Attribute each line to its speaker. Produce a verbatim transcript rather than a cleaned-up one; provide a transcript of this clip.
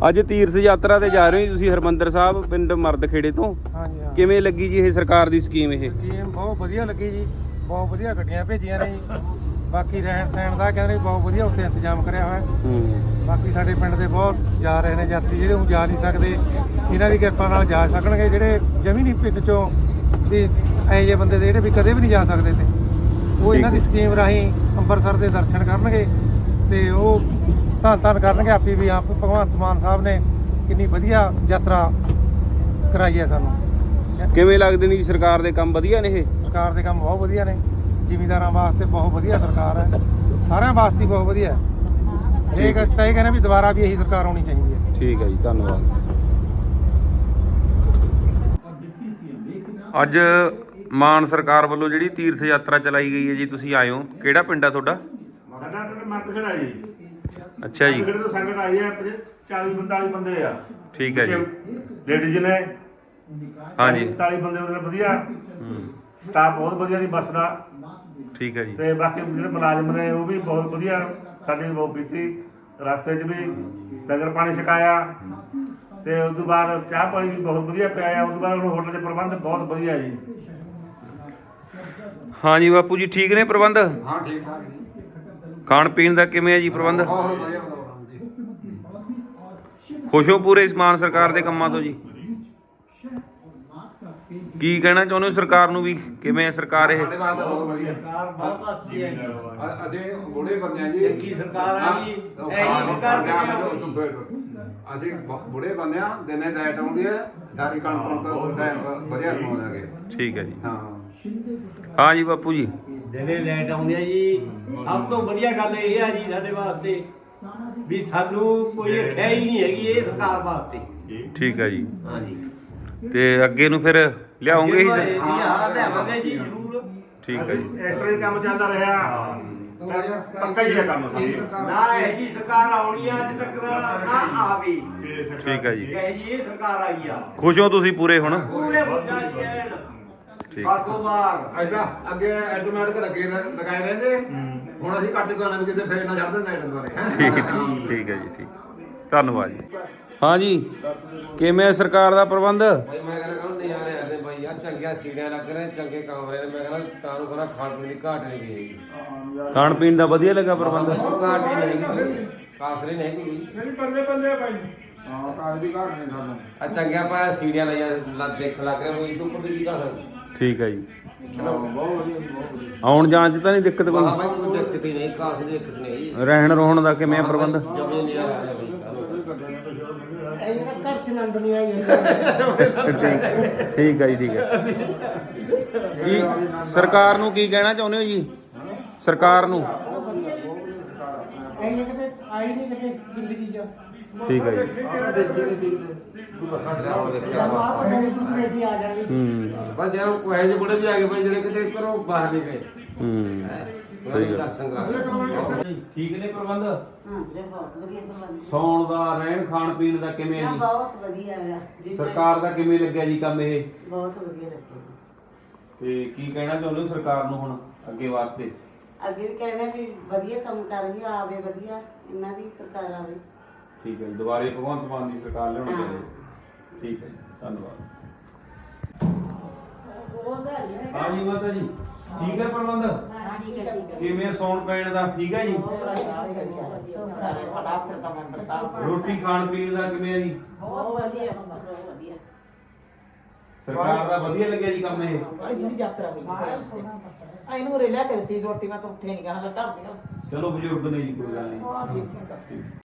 Speaker 1: ਅੱਜ ਤੀਰਥ ਯਾਤਰਾ ਤੇ ਜਾ ਰਹੇ ਹੋ ਤੁਸੀਂ ਹਰਮੰਦਰ ਸਾਹਿਬ ਪਿੰਡ ਮਰਦਖੇੜੇ ਤੋਂ।
Speaker 2: ਹਾਂਜੀ ਹਾਂ।
Speaker 1: ਕਿਵੇਂ ਲੱਗੀ ਜੀ ਇਹ ਸਰਕਾਰ ਦੀ ਸਕੀਮ? ਇਹ
Speaker 2: ਸਕੀਮ ਬਹੁਤ ਵਧੀਆ ਲੱਗੀ ਜੀ, ਬਹੁਤ ਵਧੀਆ ਗੱਡੀਆਂ ਭੇਜੀਆਂ ਨੇ ਜੀ। ਬਾਕੀ ਰਹਿਣ ਸਹਿਣ ਦਾ ਕਹਿੰਦੇ ਬਹੁਤ ਵਧੀਆ ਉੱਥੇ ਇੰਤਜ਼ਾਮ ਕਰਿਆ ਹੋਇਆ।
Speaker 1: ਹੂੰ।
Speaker 2: ਬਾਕੀ ਸਾਡੇ ਪਿੰਡ ਦੇ ਬਹੁਤ ਜਾ ਰਹੇ ਨੇ ਯਾਤਰੀ, ਜਿਹੜੇ ਹੁਣ ਜਾ ਨਹੀਂ ਸਕਦੇ ਇਹਨਾਂ ਦੀ ਕਿਰਪਾ ਨਾਲ ਜਾ ਸਕਣਗੇ। ਜਿਹੜੇ ਜਮੀ ਨਹੀਂ ਪਿੰਡ ਚੋਂ ਵੀ ਇਹੋ ਜਿਹੇ ਬੰਦੇ ਦੇ ਜਿਹੜੇ ਵੀ ਕਦੇ ਵੀ ਨਹੀਂ ਜਾ ਸਕਦੇ ਤੇ ਉਹ ਇਹਨਾਂ ਦੀ ਸਕੀਮ ਰਾਹੀਂ ਅੰਮ੍ਰਿਤਸਰ ਦੇ ਦਰਸ਼ਨ ਕਰਨਗੇ ਤੇ ਉਹ ਧੰਨ ਧੰਨ ਕਰਨਗੇ ਆਪੀ ਵੀ ਆਪ ਭਗਵੰਤ ਮਾਨ ਸਾਹਿਬ ਨੇ ਕਿੰਨੀ ਵਧੀਆ ਯਾਤਰਾ ਕਰਾਈ ਹੈ ਸਾਨੂੰ।
Speaker 1: ਕਿਵੇਂ ਲੱਗਦੇ ਨੇ ਜੀ ਸਰਕਾਰ ਦੇ ਕੰਮ? ਵਧੀਆ ਨੇ ਇਹ?
Speaker 2: ਸਰਕਾਰ ਦੇ ਕੰਮ ਬਹੁਤ ਵਧੀਆ ਨੇ, ਜ਼ਿਮੀਂਦਾਰਾਂ ਵਾਸਤੇ ਬਹੁਤ ਵਧੀਆ ਸਰਕਾਰ ਹੈ, ਸਾਰਿਆਂ ਵਾਸਤੇ ਹੀ ਬਹੁਤ ਵਧੀਆ ਹੈ। ਇਹ ਅਸੀਂ ਤਾਂ ਇਹ ਕਹਿੰਦੇ ਵੀ ਦੁਬਾਰਾ ਵੀ ਇਹੀ ਸਰਕਾਰ ਆਉਣੀ ਚਾਹੀਦੀ ਹੈ।
Speaker 1: ਠੀਕ ਹੈ ਜੀ, ਧੰਨਵਾਦ। ਅੱਜ ਮਾਨ ਸਰਕਾਰ ਵੱਲੋਂ ਜਿਹੜੀ ਤੀਰਥ ਯਾਤਰਾ ਚਲਾਈ ਗਈ ਹੈ ਜੀ, ਤੁਸੀਂ ਆਏ ਹੋ, ਕਿਹੜਾ ਪਿੰਡ ਆ ਤੁਹਾਡਾ?
Speaker 3: ਸਾਡਾ ਪਿੰਡ ਮਰਦਖੇੜਾ ਜੀ।
Speaker 1: ਅੱਛਾ ਜੀ।
Speaker 3: ਮਰਦਖੇੜੇ ਤੋਂ ਸੰਗਤ ਆਈ ਹੈ, ਚਾਲੀ ਪੰਤਾਲੀ ਬੰਦੇ ਆ।
Speaker 1: ਠੀਕ ਹੈ ਜੀ।
Speaker 3: ਲੇਡੀਜ਼ ਨੇ
Speaker 1: ਹਾਂਜੀ।
Speaker 3: ਪੰਤਾਲੀ ਬੰਦੇ ਉਹਦੇ ਵਧੀਆ, ਸਟਾਫ ਬਹੁਤ ਵਧੀਆ ਦੀ ਬੱਸ ਦਾ।
Speaker 1: ਠੀਕ ਹੈ ਜੀ।
Speaker 3: ਤੇ ਬਾਕੀ ਜਿਹੜੇ ਮੁਲਾਜ਼ਮ ਨੇ ਉਹ ਵੀ ਬਹੁਤ ਵਧੀਆ, ਸਾਡੀ ਬਹੁਤ ਕੀਤੀ। ਰਸਤੇ 'ਚ ਵੀ ਲੰਗਰ ਪਾਣੀ ਛਕਾਇਆ ਤੇ ਉਸ ਤੋਂ ਬਾਅਦ ਚਾਹ ਪਾਣੀ ਵੀ ਬਹੁਤ ਵਧੀਆ ਪਿਆਇਆ। ਉਸ ਤੋਂ ਬਾਅਦ ਹੋਟਲ ਦੇ ਪ੍ਰਬੰਧ ਬਹੁਤ ਵਧੀਆ ਜੀ।
Speaker 1: ਹਾਂਜੀ ਬਾਪੂ ਜੀ, ਠੀਕ ਨੇ ਪ੍ਰਬੰਧ?
Speaker 4: ਹਾਂ ਠੀਕ ਠਾਕ ਜੀ।
Speaker 1: ਖਾਣ ਪੀਣ ਦਾ ਕਿਵੇਂ ਹੈ ਜੀ ਪ੍ਰਬੰਧ?
Speaker 4: ਬਹੁਤ ਵਧੀਆ ਪ੍ਰੋਗਰਾਮ ਜੀ।
Speaker 1: ਖੁਸ਼ ਹੋ ਪੂਰੇ ਮਾਨ ਸਰਕਾਰ ਦੇ ਕੰਮਾਂ ਤੋਂ ਜੀ? ਕੀ ਕਹਿਣਾ ਚਾਹੁੰਦੇ ਹੋ ਸਰਕਾਰ ਨੂੰ ਵੀ? ਕਿਵੇਂ ਹੈ ਸਰਕਾਰ ਇਹ?
Speaker 4: ਸਾਡੇ ਵਾਸਤੇ ਬਹੁਤ ਵਧੀਆ
Speaker 5: ਸਰਕਾਰ ਬਹੁਤ ਅੱਛੀ ਹੈ ਜੀ।
Speaker 4: ਅ- ਅਸੀਂ ਬੁੜੇ ਬੰਦੇ ਆ ਜੀ।
Speaker 5: ਚੰਗੀ ਸਰਕਾਰ ਆ ਜੀ। ਇਹੀ ਸਰਕਾਰ
Speaker 4: ਅਸੀਂ ਬ- ਬੁੜੇ ਬੰਦੇ ਆ, ਦਿਨੇ ਲਾਈਟ ਆਉਂਦੀ ਹੈ, ਸਾਰੀ ਕਣਕ ਤੋਂ ਟਾਈਮ ਵਧੀਆ ਪਾਉਂਦਾਗੇ।
Speaker 1: ਠੀਕ ਹੈ ਜੀ।
Speaker 4: ਹਾਂ
Speaker 1: ਹਾਂ ਜੀ ਬਾਪੂ ਜੀ।
Speaker 5: ਦਿਨੇ ਲਾਈਟ ਆਉਂਦੀ ਹੈ ਜੀ। ਸਭ ਤੋਂ ਵਧੀਆ ਗੱਲ ਇਹ ਆ ਜੀ ਸਾਡੇ ਵਾਸਤੇ ਵੀ ਸਾਨੂੰ ਕੋਈ ਖਿਆ ਹੀ ਨਹੀਂ ਹੈਗੀ ਇਹ ਸਰਕਾਰ ਵਾਸਤੇ।
Speaker 1: ਠੀਕ ਹੈ ਜੀ।
Speaker 5: ਹਾਂ ਜੀ।
Speaker 1: ਤੇ ਅੱਗੇ ਨੂੰ ਫਿਰ ਲਿਆਉਂਗੇ ਹੀ?
Speaker 5: ਜੀ ਹਾਂ, ਲਿਆਵਾਂਗੇ ਜੀ ਜ਼ਰੂਰ।
Speaker 1: ਠੀਕ ਹੈ ਜੀ।
Speaker 3: ਇਸ ਤਰ੍ਹਾਂ ਹੀ ਕੰਮ ਚੱਲਦਾ ਰਿਹਾ, ਪੱਕਾ ਹੀ ਹੈ ਕੰਮ।
Speaker 5: ਨਾ ਇਹ ਜੀ ਸਰਕਾਰ ਆਉਣੀ ਆ ਅੱਜ ਤੱਕ ਨਾ ਆਵੇ।
Speaker 1: ਠੀਕ ਹੈ ਜੀ।
Speaker 5: ਇਹ ਜੀ ਇਹ ਸਰਕਾਰ ਆਈ ਆ।
Speaker 1: ਖੁਸ਼ ਹੋ ਤੁਸੀਂ ਪੂਰੇ ਹੁਣ?
Speaker 5: ਪੂਰੇ ਮੁੱਦਾ ਜੀ ਐਨ
Speaker 1: ਠੀਕ।
Speaker 5: ਬਾਗੋ ਬਾਗ।
Speaker 4: ਐਦਾਂ ਅੱਗੇ ਐਟੋਮੈਟਿਕ ਲੱਗੇ ਰ- ਲਗਾਏ ਰਹਿੰਦੇ, ਹੁਣ ਅਸੀਂ ਕੱਟ ਗਾਣਾ ਵੀ ਕਿਤੇ ਫੇਰ ਨਾ ਛੱਡ ਦਿੰਦੇ ਨਾਈਟ ਦੁਆਰੇ।
Speaker 1: ਠੀਕ ਠੀਕ ਠੀਕ ਹੈ ਜੀ। ਠੀਕ, ਧੰਨਵਾਦ ਜੀ। ਹਾਂ ਜੀ, ਕਿਵੇਂ ਹੈ ਸਰਕਾਰ ਦਾ ਪ੍ਰਬੰਧ?
Speaker 6: ਭਾਈ ਮੈਂ ਕਹਿੰਦਾ ਕਾਹਨੂੰ ਨਜ਼ਾਰੇ ਆਉਂਦੇ ਭਾਈ ਯਾਰ, ਚੰਗੀਆਂ ਸੀੜੀਆਂ ਲੱਗ ਰਹੇ, ਚੰਗੇ ਕਮਰੇ ਨੇ। ਮੈਂ ਕਹਿੰਦਾ ਕਾਹਨੂੰ ਕਹਿੰਦਾ ਖਾਣ ਪੀਣ ਦੀ ਘਾਟ ਨਹੀਂ ਗਈ ਹੈਗੀ।
Speaker 1: ਖਾਣ ਪੀਣ ਦਾ ਵਧੀਆ ਲੱਗਾ ਪ੍ਰਬੰਧ?
Speaker 6: ਘਾਟ ਹੀ ਨਹੀਂ ਹੈਗੀ ਭਾਈ, ਕਾਸਰੇ ਨਹੀਂ ਹੈਗੀ ਕੋਈ।
Speaker 4: ਬੱਲੇ ਬੱਲੇ ਭਾਈ। ਹਾਂ ਕਾਜ ਦੀ ਘਾਟ ਨਹੀਂ ਸਾਨੂੰ।
Speaker 6: ਆ ਚੰਗੀਆਂ ਪਾ ਸੀੜੀਆਂ ਲਾਈਆਂ ਲੱਗ ਦੇਖ ਲੱਗ ਰਿਹਾ ਕੋਈ ਤੋਂ ਉੱਪਰ ਦੀ ਘਾਟ।
Speaker 1: ਠੀਕ ਹੈ ਜੀ।
Speaker 4: ਬਹੁਤ ਵਧੀਆ ਬਹੁਤ ਵਧੀਆ।
Speaker 1: ਆਉਣ ਜਾਣ ਚ ਤਾਂ ਨਹੀਂ ਦਿੱਕਤ
Speaker 6: ਵਾਹ
Speaker 1: ਕੋਈ?
Speaker 6: ਭਾਈ ਕੋਈ ਦਿੱਕਤ ਹੀ ਨਹੀਂ, ਕਾਸ ਦੀ ਦਿੱਕਤ ਨਹੀਂ।
Speaker 1: ਰਹਿਣ ਰੋਹਣ ਦਾ ਕਿਵੇਂ ਹੈ ਪ੍ਰਬੰਧ?
Speaker 6: ਜਮੇ ਨਜ਼ਾਰਾ ਆ ਰਿਹਾ ਭਾਈ।
Speaker 1: ਠੀਕ ਠੀਕ ਹੈ ਜੀ। ਠੀਕ ਹੈ। ਕੀ ਸਰਕਾਰ ਨੂੰ ਕੀ ਕਹਿਣਾ ਚਾਹੁੰਦੇ ਹੋ ਜੀ? ਸਰਕਾਰ ਨੂੰ?
Speaker 2: ਇਹ ਕਿਤੇ ਆਈ ਨਹੀਂ ਕਿਤੇ ਜ਼ਿੰਦਗੀ 'ਚ।
Speaker 1: ਠੀਕ ਹੈ ਜੀ।
Speaker 6: ਹੁਣ ਦੇਖਿਆ ਬਸ।
Speaker 1: ਹੂੰ
Speaker 6: ਬਸ ਯਾਰ ਕੋਈ ਜਿਹੇ ਬੁੜੇ ਵੀ ਆ ਗਏ ਭਾਈ ਜਿਹੜੇ ਕਿਤੇ ਘਰੋਂ ਬਾਹਰ ਨਹੀਂ ਗਏ।
Speaker 1: ਹੂੰ
Speaker 6: ਹੈ
Speaker 1: ਸਹੀ ਗੱਲ।
Speaker 6: ਦਰਸ਼ਨ ਕਰਾ।
Speaker 1: ਠੀਕ ਨੇ ਪ੍ਰਬੰਧ?
Speaker 7: ਹਾਂ ਵੀਰੇ ਬਹੁਤ ਵਧੀਆ ਪ੍ਰਬੰਧ।
Speaker 1: ਸੌਣ ਦਾ, ਰਹਿਣ ਖਾਣ ਪੀਣ ਦਾ ਕਿਵੇਂ ਹੈ
Speaker 7: ਨਾ
Speaker 1: ਜੀ?
Speaker 7: ਬਹੁਤ ਵਧੀਆ ਹੈਗਾ ਜੀ।
Speaker 1: ਸਰਕਾਰ ਦਾ ਕਿਵੇਂ ਲੱਗਿਆ ਜੀ ਕੰਮ ਇਹ?
Speaker 7: ਬਹੁਤ ਵਧੀਆ ਲੱਗਿਆ।
Speaker 1: ਤੇ ਕੀ ਕਹਿਣਾ ਚਾਹੁੰਦੇ ਹੋ ਸਰਕਾਰ ਨੂੰ ਹੁਣ ਅੱਗੇ ਵਾਸਤੇ?
Speaker 7: ਅੱਗੇ ਵੀ ਕਹਿੰਦੇ ਵੀ ਵਧੀਆ ਕੰਮ ਕਰ ਰਹੀ ਆ, ਆਵੇ ਵਧੀਆ ਇਹਨਾਂ ਦੀ ਸਰਕਾਰ ਆਵੇ।
Speaker 1: ਠੀਕ ਹੈ ਜੀ। ਦੁਬਾਰੇ ਭਗਵੰਤ ਮਾਨ ਦੀ ਸਰਕਾਰ ਲਿਆਉਣੀ ਚਾਹੀਦੀ ਹੈ। ਠੀਕ ਹੈ ਜੀ, ਧੰਨਵਾਦ। ਹਾਂ ਜੀ ਮਾਤਾ ਜੀ, ਠੀਕ ਹੈ ਪ੍ਰਬੰਧ?
Speaker 7: ਠੀਕ ਹੈ ਠੀਕ ਹੈ।
Speaker 1: ਕਿਵੇਂ ਸੌਣ ਪੈਣ ਦਾ? ਠੀਕ ਹੈ ਜੀ।
Speaker 7: ਸਾਡਾ ਫਿਰ ਤਾਂ ਮੈਂਬਰ ਸਾਹਿਬ
Speaker 1: ਰੋਟੀ ਖਾਣ ਪੀਣ ਦਾ ਕਿਵੇਂ ਹੈ ਜੀ?
Speaker 7: ਬਹੁਤ ਵਧੀਆ ਬਹੁਤ ਵਧੀਆ।
Speaker 1: ਸਰਕਾਰ ਦਾ ਵਧੀਆ ਲੱਗਿਆ ਜੀ ਕੰਮ ਇਹ?
Speaker 8: ਬੜੀ ਸੋਹਣੀ ਯਾਤਰਾ ਹੋਈ ਆ। ਇਹਨੂੰ ਰੇ ਲਿਆ ਕੇ ਦਿੱਤੀ ਰੋਟੀ, ਮੈਂ ਤਾਂ ਉੱਥੇ ਨਹੀਂ ਕਹਾਂ ਲੱਗਾ।
Speaker 1: ਚਲੋ ਬਜ਼ੁਰਗ ਨੇ ਜੀ, ਕੋਈ ਗੱਲ ਨਹੀਂ।
Speaker 8: ਹਾਂ ਠੀਕ ਹੈ।